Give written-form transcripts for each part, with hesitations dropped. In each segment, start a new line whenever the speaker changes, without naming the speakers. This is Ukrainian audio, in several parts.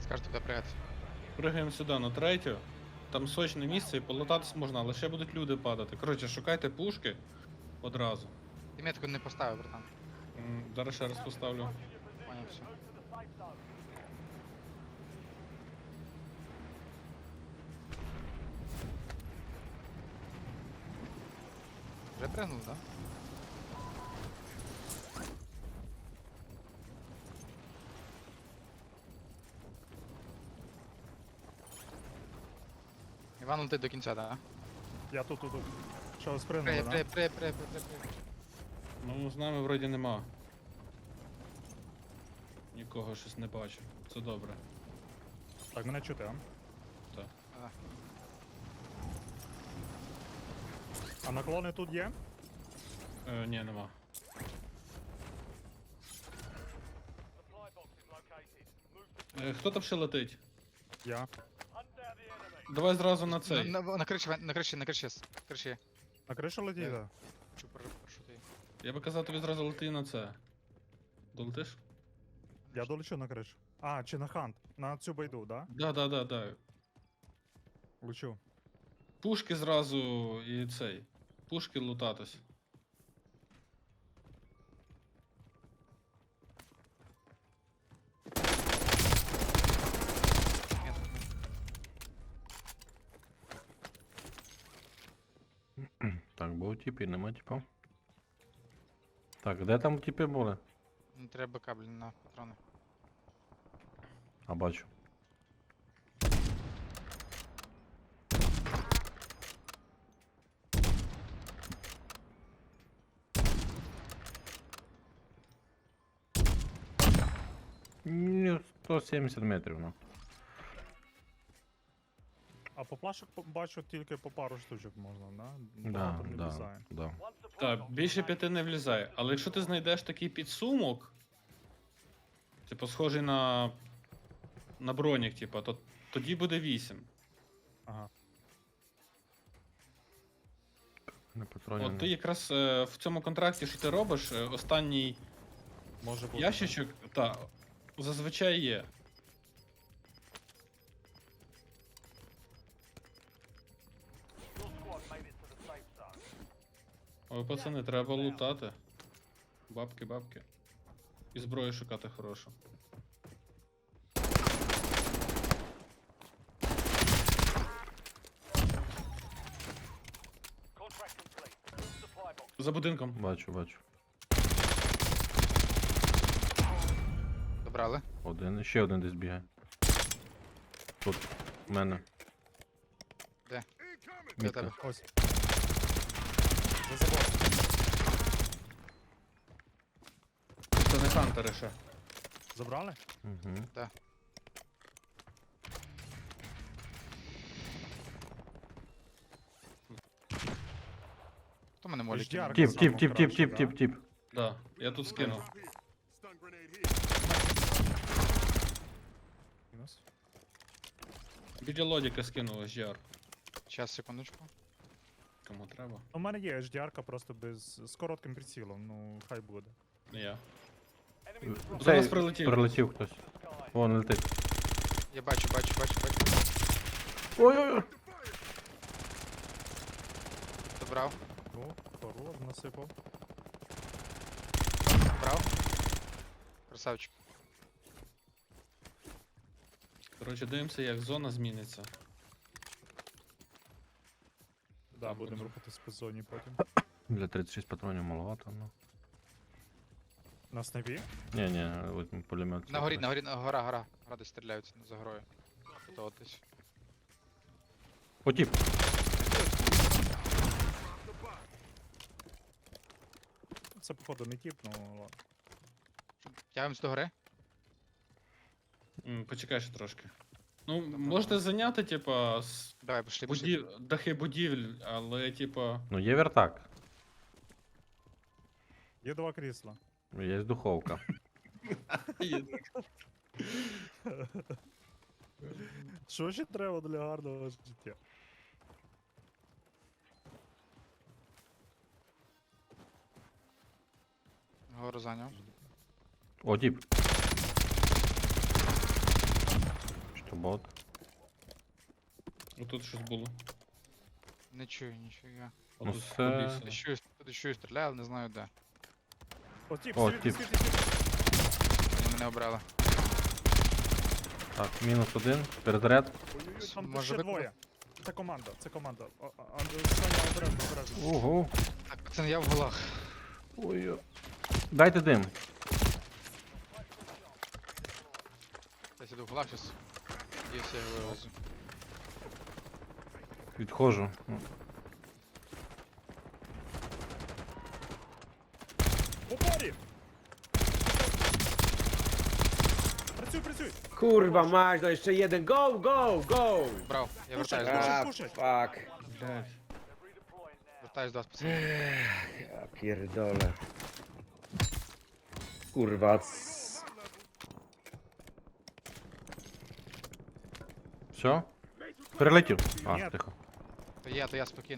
Скажете, куди пригати.
Пригаємо сюди на третю. Там сочне місце і полутатись можна, але ще будуть люди падати. Коротше, шукайте пушки одразу.
Ти метку не поставив, братан.
Зараз ще раз поставлю.
Поняв, все. Вже пригнув, так? Да? Іван летить до кінця, так?
Я тут. Що, спригнули,
При.
да?
Ну, з нами вроді нема. Нікого щось не бачу. Це добре.
Так, мене чути, а?
Так.
А наклони тут є?
Ні, нема. Хто там ще летить?
Я.
Давай зразу на цей.
На криші, на криші, на криші. Криші.
На кришу летіть, да?
Чу, прошу ти.
Я би казав тобі зразу лети на це. Долетиш?
Я долечу на кришу. А, чи на хант? На цю байду, да?
Да.
Лечу.
Пушки зразу і цей. Пушки лутатись.
Так, був тип і нема типа. Так, де там типи були?
Не треба кабель на патрони.
А бачу. Ні, 170 метрів, ну.
А по плашок бачу тільки по пару штучок можна, да?
Да,
Багато не
да,
влізає.
да.
Так, більше 5 не влізає. Але якщо ти знайдеш такий підсумок, типу схожий на бронік, типу, то тоді буде 8.
Ага.
Не патронів.
От ти якраз в цьому контракті, що ти робиш, останній
Може бути.
ящичок, та, зазвичай є. Ой, пацани, треба лутати. Бабки. І зброю шукати хорошу. За будинком.
Бачу.
Добрали.
Один. Ще один десь бігає. Тут. В мене.
Де? До
Мітка.
тебе.
Ось. За забор.
Це не хантери ще.
Забрали?
Угу.
Хто мене молить?
HDR.
Тіп.
Да, я тут скинув.
Мінус.
Біля лодіка скинув HDR.
Щас, секундочку.
Кому треба?
У мене є HDR-ка просто з коротким прицілом, ну хай буде.
Я.
Цей
Зараз прилетів.
Прилетів хтось. Вон летить.
Я бачу.
Ой-ой-ой.
Добрав.
О, хорош, насипав.
Добрав. Красавчик.
Коротше, дивимося, як зона зміниться.
Да, будемо рухатись по зоні потім.
Для 36 патронів маловато, ну.
На снайпі?
Ні, от пулемет.
На горі, гора. Гора десь стріляються за горою. То от десь.
О, тип.
Це походу не тіп, ну ладно.
Тягуємось до гори.
Почекай ще трошки. Ну, можете зайняти, типа,
Давай, пішли.
дахи будівель, але, типа.
Ну є вертак.
Є два крісла.
Є духовка.
Що ще треба для гарного життя?
Гору зайняв.
О, тип. бот.
Отут щось було.
Не чую нічого.
Ну,
Отут
це-
по лісу.
Чую, стріляю, але не знаю де.
О, тіп,
О,
світи,
тіп.
світи, світи.
Вони мене обрали.
Так, мінус один. Перезаряд.
Ой-ой-ой, там
Може
ще
ви-
двоє. Це команда, це команда. Саня, обережно, обережно.
Ого.
Так, пацан, я в голах.
Ой. Дайте дим.
Я сиду в голах зараз. І все, я вивезу.
Відходжу. Ну,
В упорі! Працюй, працюй!
Kurwa, mać, no jeszcze jeden. Go, go, go!
Брав, я
Пушай,
вертаюсь до вас.
пушай.
A, fuck.
Блядь.
Вертаюсь до вас, пацан.
Ja pierdolę. Kurwa.
Все? Перелетів. А,
Ні.
тихо.
То я, спокійно.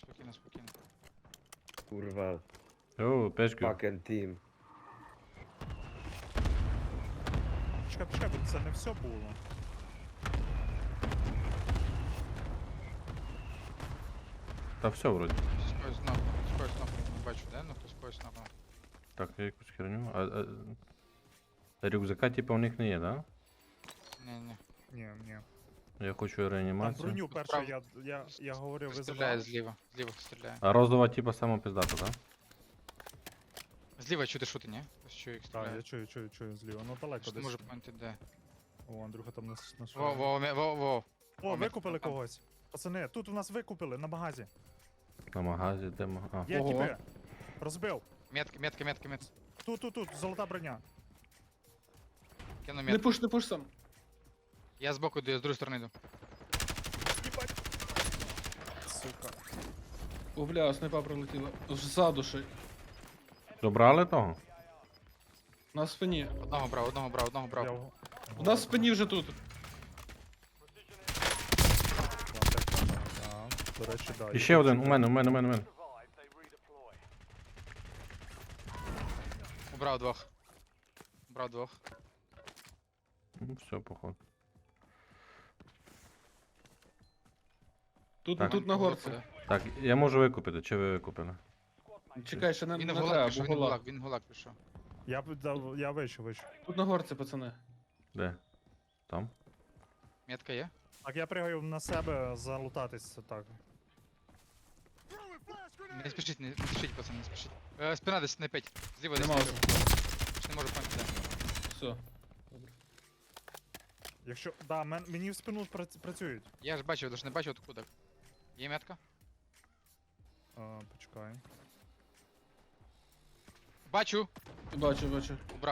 Kurwa,
О, пешки.
fucking team.
Чекай, бо це не все було.
Та все вроді.
Скоро знов, не бачу, де, ну хтось когось напав.
Так, я якусь херню. Рюкзака типа у них не є, да?
Ні.
Ні.
Я хочу
Там
реанімацію.
броню перше,
Справа.
я говорив, ви
Стріляє
забрали.
зліва хтось стріляє.
А розова типа сама пиздата, да?
Зліва чути шути, ні? Ось чую їх
Так, я
стріляє.
чую зліва. Ну далеко
Що
десь.
може поняти де?
О, Андрюха там на
Во.
О,
мі-
викупили
там.
когось. Пацани, тут у нас викупили, на магазі.
На магазі, де А.
Є
Ого.
тіпи. Розбив.
Метка.
Тут, золота броня.
Кину
Не
метку.
пуш сам.
Я збоку йду, я з другої сторони йду.
Їбать. Сука.
О, бля, снайпа прилетіла. Ззаду ще.
Добрали того?
На спині.
Одного брав.
Я
У нас в спині вже тут.
До речі, да.
І ще один, у мене.
Убрав двох.
Ну, все, походу. Так.
Тут на горці.
Так, я можу викупити, чи ви викупили?
Чекай, ще не
Він в
треба,
голак пішов,
бо гола.
він в голак пішов.
Я вийшов.
Тут на горці, пацани.
Де? Там?
Метка є?
Так, я пригаю на себе залутатись, так.
Не спішіть, пацан, не спішіть. Спина десь не пить. Зліва десь.
Нема
не
вже.
Не можу поняти де.
Все.
Якщо. Да, мені в спину працюють.
Я ж бачив, лише не бачив откуда. Є метка?
Почекай.
Бачу!
Бачу.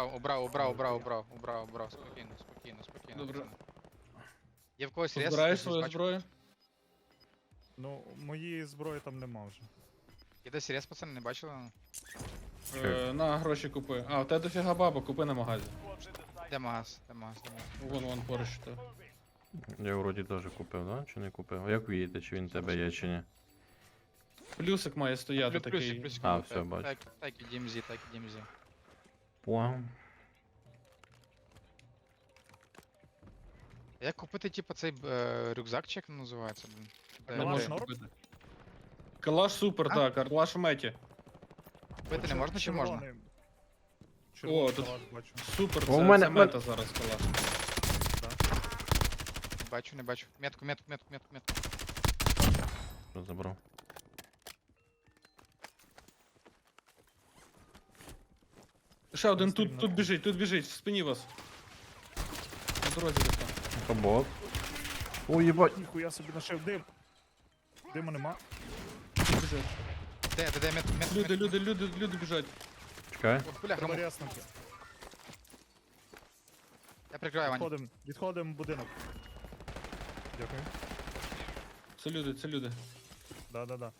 Убрав. Спокійно.
Добре.
пацани. Є в когось рез?
Збираєш
Десь
свою
бачу.
зброю?
Ну, моєї зброї там нема вже.
Є десь рез, пацани, не бачили?
На гроші купи. А, у тебе дофіга баба, купи на магазі.
Де магаз?
Вон поруч що.
Я вроді теж купив, да? Чи не купив? А як ви їдете, чи він в тебе є, чи ні?
Плюсик має стояти такий.
Плюсик.
А, все, бачу.
Так і DMZ.
Пуам.
Як купити, типу, цей рюкзак, чи як він називається, блін?
Не
Калаш
можеш
норм?
купити. Калаш супер,
А?
так, калаш в меті.
Купити не можна чи можна?
Червоний
О, тут-
калаш бачу.
Супер,
О, у
це
мене-
мета зараз калаш.
Не бачу. Метку.
Що забрав?
Ще один
Стрімно.
тут біжить, в спині вас. На дорозі десь там.
Це бот. Ой, їбать.
Ніхуя собі нашив дим. Диму нема.
Біжать.
Де, метку.
Люди біжать.
Чекай.
О, бляха,
Треба ряснути.
я прикриваю, Ваня.
Відходимо в будинок. Дякую.
Це люди.
Да.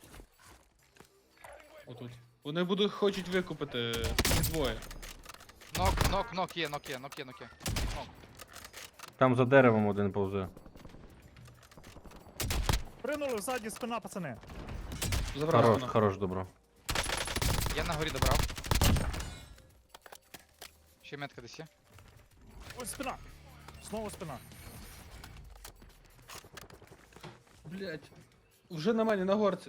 Отут. Вони хочуть викупити двоє.
Нок є. Нок.
Там за деревом один повзе.
Принули ззаді спина, пацани.
Забрав
Хорош,
вона.
хорош, добро.
Я на горі добрав. Ще метка десь є.
Ось спина. Знову спина.
Блять. Вже на мене, на горці.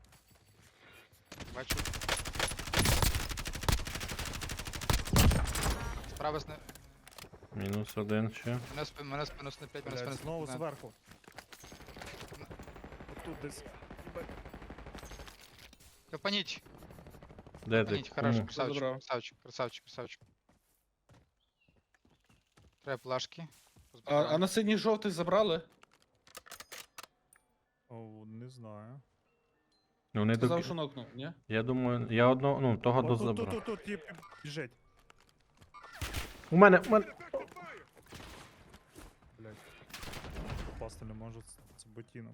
Бачу. Справа сне...
Мінус один ще.
Мене спину снеплять, мене спину
Блядь, знову
снеплять.
зверху. Тут десь.
Капаніть,
Де ти?
капаніть, хорошо,
Кому?
красавчик,
Забрав.
красавчик, красавчик, красавчик. Треба плашки.
А на синій жовтий забрали?
О, не знаю.
Ну, не
Сказав,
до...
що нокнув, ні?
Я думаю, я одного, ну, того
О, тут,
дозабрав.
тут, тип біжить.
У мене.
Блядь. Попасти не можу, це ботинок.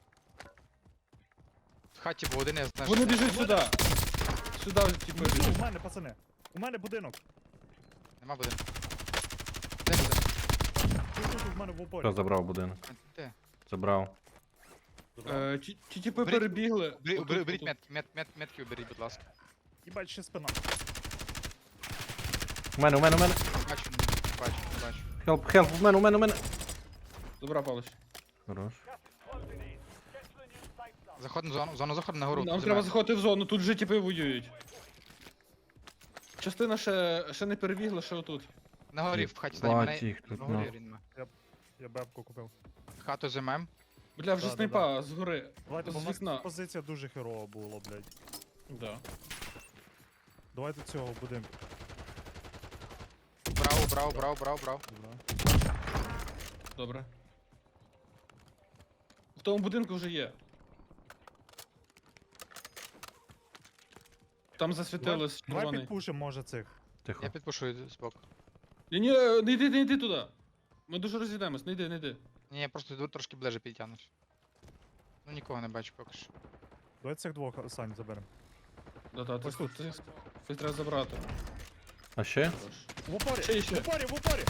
В хаті був один, я знаю.
Вони
що-
біжать сюди. Сюди, типу,
Внизу,
біжать.
у мене, пацани. У мене будинок.
Нема будинку. Де буде?
Тут, в мене в упорі.
Хто забрав будинок?
Де?
Забрав.
Ті типи
Беріть-
перебігли.
Уберіть,
Отут,
уберіть
отут.
метки, уберіть, будь ласка.
Їбать, ще спина.
У мене.
Бачу, не бачу.
Хелп, у мене.
Добра, Павлович.
Хорош.
Заходимо в зону заходимо на гору.
Нам треба заходити в зону, тут же типи воюють. Частина ще не перебігла, ще отут.
На горі, в хаті
Бать
займе.
їх тут,
На
ну.
горі він.
Я бебку купив.
Хату займем.
Бля, вже
Да, да,
снайпа згори.
Давайте, бо
З
в нас
вікна.
позиція дуже херова була, блядь.
Да.
Давайте цього будемо.
Брав.
Добре. В тому будинку вже є. Там засвітилось
Давай
червоний.
підпушимо, може, цих.
Тихо.
Я підпушую збоку.
Ні, не йди туди. Ми дуже розійдемось, не йди.
Ні, я просто йду трошки ближе підтягнусь. Ну нікого не бачу поки що.
Давай цих двох, Сань, заберемо.
Да,
Ось тут.
Ти треба забрати.
А ще?
В упорі!
Ще.
В упорі!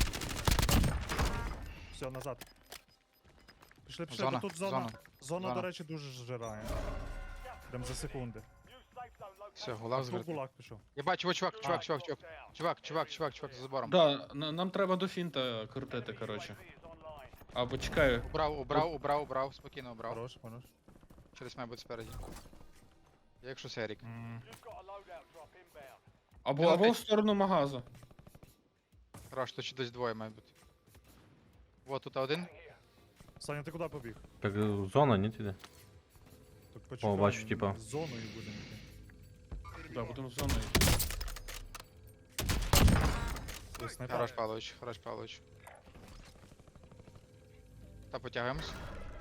Все, назад. Пішли,
Зона,
бо тут зона.
зона.
Зона,
Зона.
до речі, дуже зжирає. Прям за секунди.
Все, гулаг
Тут
звертay.
гулак пішов.
Я бачу, о, чувак, за забором.
Да, нам треба до фінта крутити, коротше. Або чекаю.
Убрав, спокійно убрав.
Хорош.
Через має бути спереді. Я якщо серік.
Або в сторону магазу.
Хорош, то ще десь двоє має бути. Вот тут один.
Саня, ти куди побіг?
Так зона, ні іде.
Так почекай,
бачу, типа.
з зоною будемо йти.
Да, будемо з зоною.
Ось снайпер.
Хорош Павлович. Та потягаємось.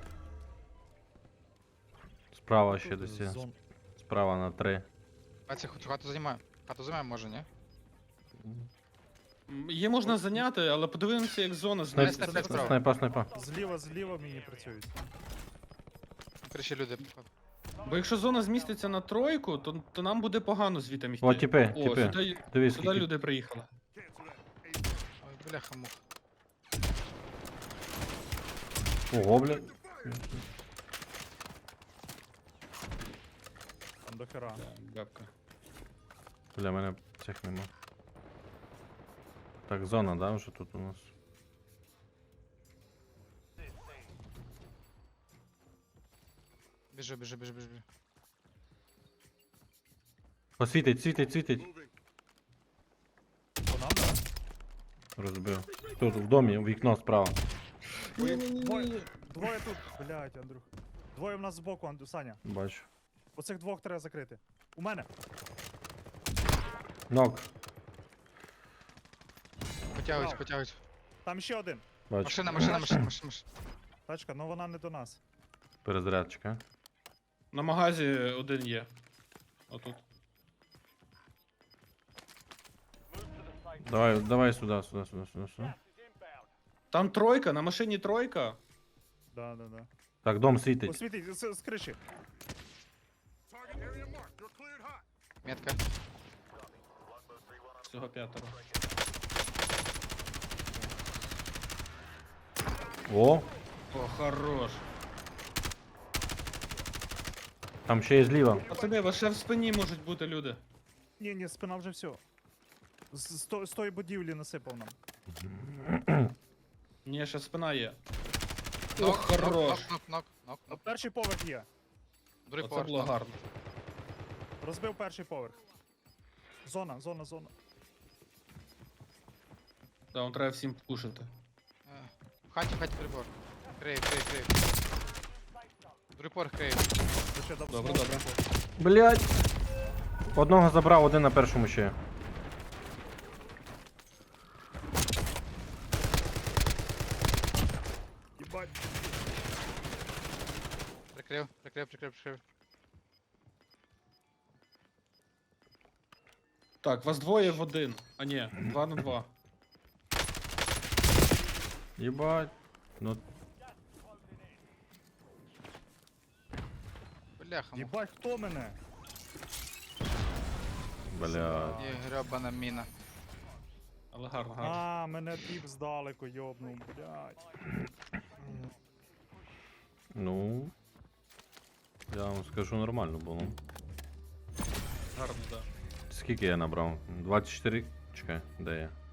Справа ще
Тут
десь є.
зон-
Справа на 3.
А це хату займаємо. Хату займаємо, може, ні?
Її можна зайняти, але подивимося, як зона
Снайп-
зміститься.
справа.
Снайпа.
Зліва мені працюють.
Криші люди, походу.
Бо якщо зона зміститься на тройку, то нам буде погано звітом йти.
О, тіпи.
Сюди,
Дивись,
сюди
скільки.
люди приїхали.
Ой, бляха мух.
Ого, бля.
Там до хера.
Да, бабка.
Бля, мене цих нема. Так, зона, да, вже тут у нас.
Біжи.
О, світить.
По нам, да?
Розбив. Тут в домі, вікно справа.
Двоє тут. Блять, Андрюх. Двоє в нас збоку, Саня.
Бачу.
Оцих двох треба закрити. У мене.
Нок.
Потягують.
Там ще один.
Бачу.
Машина.
Тачка, ну вона не до нас.
Перезарядчика.
На магазі один є. Отут.
Давай сюди.
Там тройка, на машині тройка.
Да.
Так, дом світить.
Освітить, з криші.
Метка.
Всього п'ятеро.
О,
О, хорош.
там ще є зліва.
Пацани, вас ще в спині можуть бути люди.
Ні, спина вже все. З тої будівлі насипав нам.
Ні, ще спина є.
Нок,
хорош.
нок.
Перший поверх є.
Другий
Оце
поверх.
було
нок.
гарно.
Розбив перший поверх. Зона.
Да, он треба всім пушити.
В хаті прибор. Крей. Другий поверх крей.
Ще дав
Добре,
смок.
добре.
Блять. Одного забрав, один на першому ще є.
Їбать.
Прикрив.
Так, вас двоє в один. А ні, 2 на 2.
Єбать. Ну,
Бляха,
Їбать, хто мене?
блядь.
є гребана міна.
Але гарно, гарно.
А, мене тіп здалеку йобнув, блядь.
Ну. Я вам скажу, нормально було.
Гарно, да.
Скільки я набрав? 24? Чекай, де я?